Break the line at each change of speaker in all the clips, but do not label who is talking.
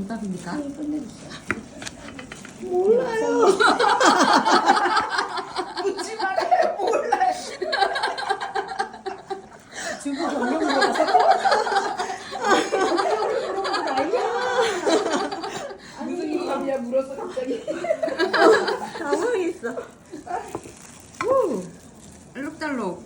김밥입니까?
몰라요. 묻지 말아요. 몰라요.
중국 전용기라서
무슨 김밥이야 물었어 갑자기.
당황했어.
오! 알록달록.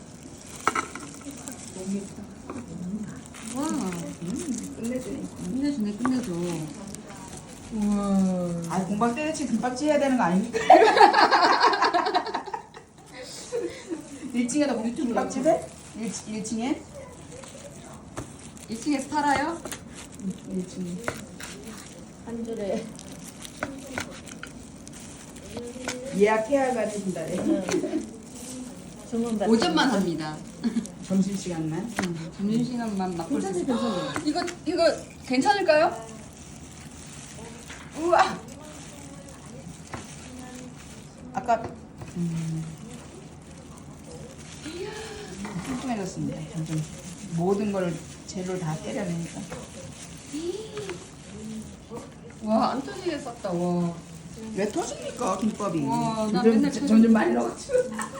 와,
끝내주네.
끝내주네, 끝내줘. 우와.
아 공방 때려치 김밥집 해야 되는 거 아닙니까? 1층에다 우리 김밥집에? 1층에?
2층에서 팔아요?
1층에.
한 줄에
예약해야 가진다래.
주문 받.
오전만 합니다.
점심시간만.
점심시간만 맛볼 수
괜찮아요,
있어요.
괜찮아요.
이거 괜찮을까요?
우와. 아까 뚱뚱해졌습니다. 점점 모든 걸 재료를 다 때려내니까.
와, 안 터지게 쌌다, 와.
왜 터집니까 김밥이?
와, 나
점점,
맨날
점점 많이 넣어가지고.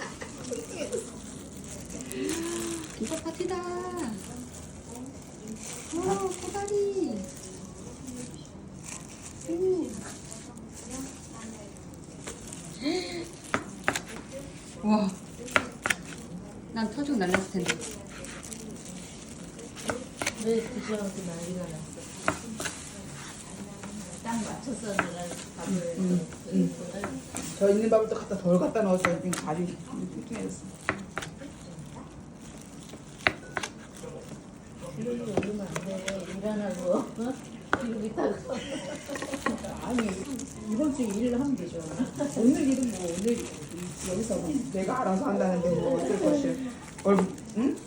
김밥 파티다. 와, 코다리. 와, 난 터지고 날렸을 텐데.
왜 드시면서 난리가 났어? 딱 맞춰서 내가 밥을
저 있는 밥을 또 갖다 덜 갖다 넣어서 지금 밥이 뚱뚱해졌어.
기름이 올리면 안 돼. 일어나고 기름이 다
아니 이번 주에 일을 하면 되죠. 오늘 일은 뭐 오늘 여기서 뭐 내가 알아서 한다는데 뭐 어쩔 것이야. 응?